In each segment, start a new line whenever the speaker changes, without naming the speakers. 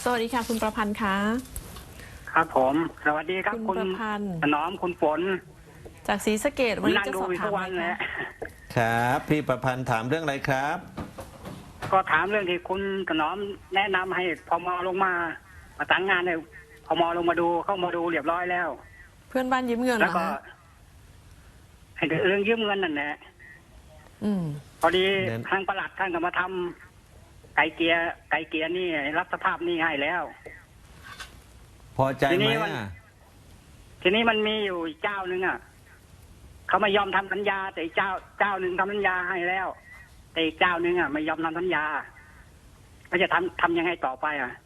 วัสดีค่ะคุณประพันธ์คะ
ครับผมสวัสดีครับ
คุณประพันธ์
ถนอมคุณฝน
จากศรีสะเกษวันนี้จะสอบถามอะไรคะ
ครับพี่ประพันธ์ถามเรื่องอะไรครับ
ก็ถามเรื่องที่คุณถนอมแนะนำให้พมลงมาประสานงานให้พมลงมาดูเข้ามาดูเรียบร้อยแล้ว
เพื่อนบ้านยืมเงินเหร
แล้วก็
อคะ
ให้เรื่องยืมเงินนั่นแหละพอดีทางปลัดท่านก็มาทำไก่เกลียนี่รับสภาพหนี้ให้แล้ว
พอใจไหม
ทีนี้มันมีอยู่เจ้าหนึ่งอ่ะเขาไม่ยอมทำสัญญาแต่เจ้าหนึ่งทำสัญญาให้แล้วแต่อีกเจ้าหนึ่งอ่ะไม่ยอมทำสัญญาก็จะทำยังไงต่อไปอ่ะ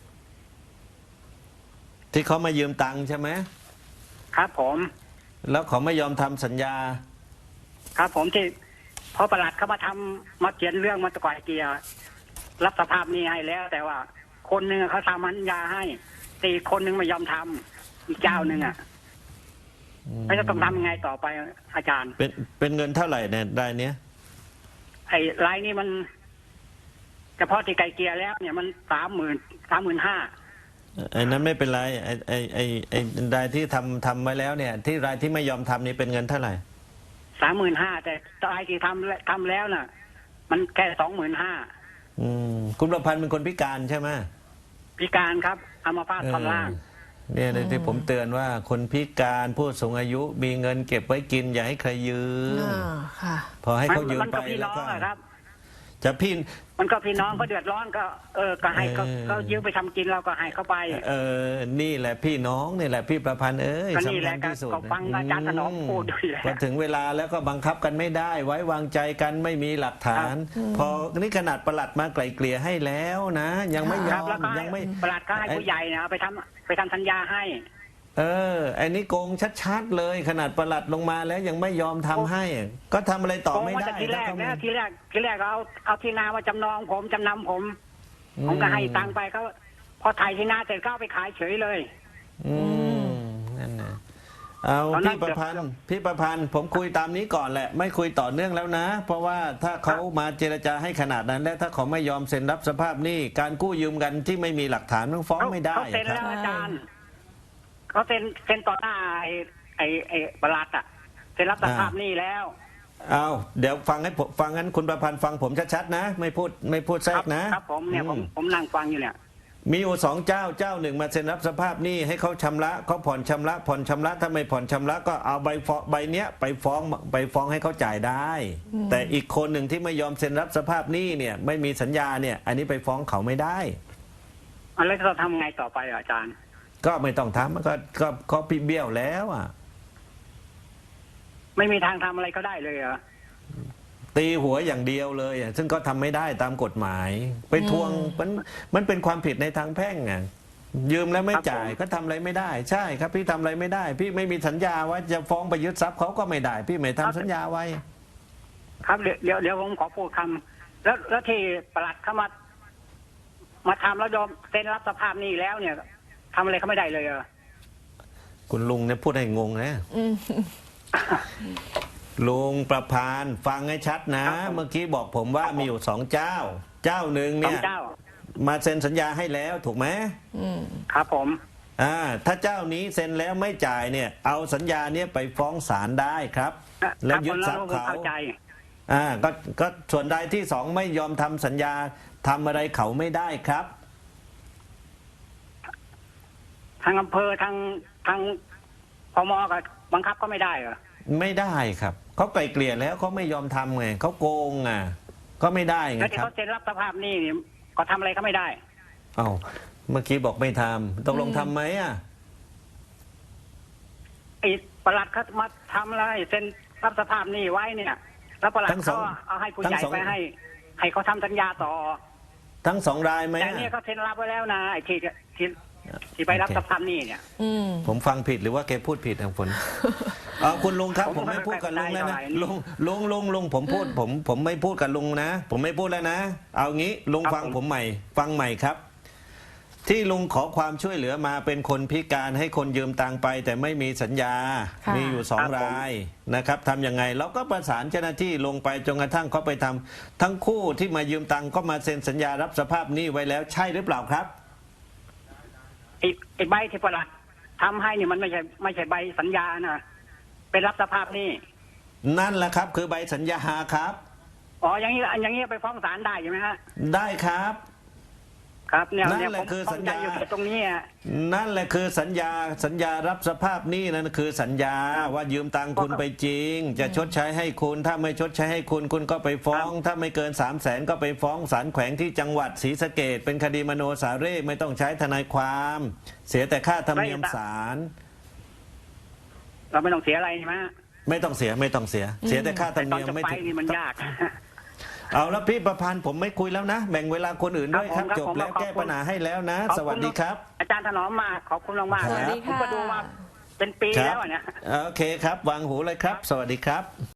ที่เขามายืมตังค์ใช่ไหม
ครับผม
แล้วเขาไม่ยอมทำสัญญา
ครับผมที่พอประหลัดเขามาเขียนเรื่องมาตะไคร่เกียร์รับสภาพนี้ให้แล้วแต่ว่าคนหนึ่งเขาทำสัญญาให้แต่อีกคนหนึ่งไม่ยอมทำอีกเจ้าหนึ่งอ่ะไม่จะต้องทำยังไงต่อไปอาจารย์
เป็นเงินเท่าไหร่เนี่ยรายเนี้ย
ไอ้รายนี้มันเฉพาะที่ไกลเกลียแล้วเนี่ยมัน35,000
ไอ้นั้นไม่เป็นไรไอ้รายที่ทำไว้แล้วเนี่ยที่รายที่ไม่ยอมทำนี่เป็นเงินเท่าไหร่
35,000แต่รายที่ทำแล้วน่ะมันแค่25,000
คุณประพันธ์เป็นคนพิการใช่ไหม
พิการครับอัมพาตท่อนล่าง
เนี่ยที่ผมเตือนว่าคนพิการผู้สูงอายุมีเงินเก็บไว้กินอย่าให้ใครยืมพอให้เขายืมไปแล้วก็จะพี่
มันก็พี่น้องเขาเดือดร้อนก็ให้เขายืมไปทำกินเราก็ให้เขาไป
นี่แหละพี่น้องนี่แหละพี่ประพันธ์สำคัญที่สุด
ก็ฟังอาจารย์ถนอมพูดด้วยแหละ
พอถึงเวลาแล้วก็บังคับกันไม่ได้ไว้วางใจกันไม่มีหลักฐานพอนี่ขนาดปลัดมาไกล่เกลี่ยให้แล้วนะยังไม่ยอมยังไม่
ปลัดก็ให้ผู้ใหญ่นะไปทำสัญญาให้
ไอ้นี่โกงชัดๆเลยขนาดปลัดลงมาแล้วยังไม่ยอมทำให้ก็ทำอะไรต่อไม่ได้
ทีแรกเอาที่นามาจำนองผมจำนำผมก็ให้ตังไปเขาพอถ่ายที่นาเสร็จก็ไปขายเฉยเลย
นั่นนะเอาพี่ประพันธ์ผมคุยตามนี้ก่อนแหละไม่คุยต่อเนื่องแล้วนะเพราะว่าถ้าเขามาเจรจาให้ขนาดนั้นแล้วถ้าเขาไม่ยอมเซ็นรับสภาพหนี้การกู้ยืมกันที่ไม่มีหลักฐานต้องฟ้องไม่ได้
เขาเซ็นแล้วอาจารย์เขาเซ็นต่อหน้าไอ้ปลัดอ่ะเซ็นรับสภาพหนี้แล้ว
เอาเดี๋ยวฟังงั้นคุณประพันธ์ฟังผมชัดๆนะไม่พูดแทรกนะครับ
ผมเนี่ยผมนั่งฟังอยู่เนี่ย
มีอยู่2 เจ้าหนึ่งมาเซ็นรับสภาพหนี้ให้เขาชำระเขาผ่อนชำระถ้าไม่ผ่อนชำระก็เอาใบเนี้ยไปฟ้องให้เขาจ่ายได้แต่อีกคนหนึ่งที่ไม่ยอมเซ็นรับสภาพหนี้เนี่ยไม่มีสัญญาเนี่ยอันนี้ไปฟ้องเขาไม่ได้
แล้วจะทำไงต่อไปอาจารย์
ก็ไม่ต้องทำมันก็พี่เบี้ยวแล้วอ่ะ
ไม่มีทางทำอะไรก็ได้เลยเหรอ
ตีหัวอย่างเดียวเลยซึ่งก็ทำไม่ได้ตามกฎหมายไปทวงมันเป็นความผิดในทางแพ่งไงยืมแล้วไม่จ่ายก็ทำอะไรไม่ได้ใช่ครับพี่ทำอะไรไม่ได้พี่ไม่มีสัญญาว่าจะฟ้องไปยึดทรัพย์เขาก็ไม่ได้พี่ไม่ทำสัญญาไว้
ครับเดี๋ยวผมขอพูดคำแล้วที่ปลัดเขามาทำแล้วยอมเซ็นรับสภาพนี้แล้วเนี่ยทำอะไรเขาไม่ได้เลยเหรอ
คุณลุงเนี่ยพูดให้งงนะลุงประพันธ์ฟังให้ชัดนะเมื่อกี้บอกผมว่ามีอยู่2 เจ้าหนึ่งเนี่ยมาเซ็นสัญญาให้แล้วถูกไหม
ครับผม
ถ้าเจ้านี้เซ็นแล้วไม่จ่ายเนี่ยเอาสัญญาเนี้ยไปฟ้องศาลได้ครับแล้วยึดทรัพย์เขาก็ส่วนใดที่2ไม่ยอมทำสัญญาทำอะไรเขาไม่ได้ครับ
ทางอำเภอทางพมก็บังคับก็ไม่ได้เหรอ
ไม่ได้ครับเขาไกลเกลี่ยแล้วเขาไม่ยอมทำไงเขาโกงก็ไม่ได้ไงครับ
แล้วที่เขาเซ็นรับสภาพนี่ก็ทำอะไรก็ไม่ได้
เมื่อกี้บอกไม่ทำตกลงทำไหม
ไอ้ปลัดเขามาทำอะไรเซ็นรับสภาพนี่ไว้เนี่ยแล้วปลัดเขาเอาให้ผู้ใหญ่ไปให้เขาทำสัญญาต่อ
ทั้ง2 รายไหม
แต่เนี่ยเขาเซ็นรับไว้แล้วนะไอ้ที่ไปรับสภาพนี่เนี่ย
ผมฟังผิดหรือว่าแกพูดผิดทางฝนคุณลุงครับผมไม่พูดกับลุงแล้วนะลุงผมไม่พูดกับลุงนะผมไม่พูดแล้วนะเอางี้ลุงฟังผมใหม่ฟังใหม่ครับที่ลุงขอความช่วยเหลือมาเป็นคนพิการให้คนยืมตังไปแต่ไม่มีสัญญามีอยู่2 รายนะครับทำยังไงเราก็ประสานเจ้าหน้าที่ลงไปจนกระทั่งเขาไปทำทั้งคู่ที่มายืมตังก็มาเซ็นสัญญารับสภาพหนี้ไว้แล้วใช่หรือเปล่าครับ
ไอ้ใบที่ประหลัดทำให้นี่มันไม่ใช่ใบสัญญานะเป็นรับสภาพหนี้
นั่นแหละครับ คือใบสัญญาครับ
อ๋ออย่างนี้ไปฟ้องศาลได้ใช่ไหมฮะ
ได้ครับ
ครับเนี่ย
นั่น
เนี่ย
แห
ผ
ละ
ม
คือ
ข้
สั
อง
ญ
ใจ
ญา
อยู่แค่ตรงนี้อะ
นั่นแหละคือสัญญารับสภาพหนี้นั่นคือสัญญาว่ายืมตังค์คุณไปจริง จะชดใช้ให้คุณถ้าไม่ชดใช้ให้คุณคุณก็ไปฟ้อง ถ้าไม่เกิน 300,000 ก็ไปฟ้องศาลแขวงที่จังหวัดศรีสะเกษเป็นคดีมโนสาเร่ไม่ต้องใช้ทนายความ เสียแต่ค่าธรรมเนียมศาล
เราไม่ต้องเสียอะไรใช่ไหมฮะ
ไม่ต้องเสียเสียแต่ค่าธร
แต่
รม
ตอน
เนียม
จะ
ไม่
ไป
ถึง
นี่มันยาก
เอาแล้วพี่ประพันธ์ผมไม่คุยแล้วนะ แบ่งเวลาคนอื่นด้วยครับ
ครับ
จบ
ผม
แล้ว
ขอบคุณ
แก้ปัญหาให้แล้วนะ
ขอบคุณ
สวัสดีครับ
อาจารย์ถนอมมากขอบคุณมากๆ
สวัสดี
ผม
ค่ะ
ก็ดูมาเป็นปี
ครับ
แล้วอะเนี่ย
โอเคครับ วางหูเลยครับ สวัสดีครับ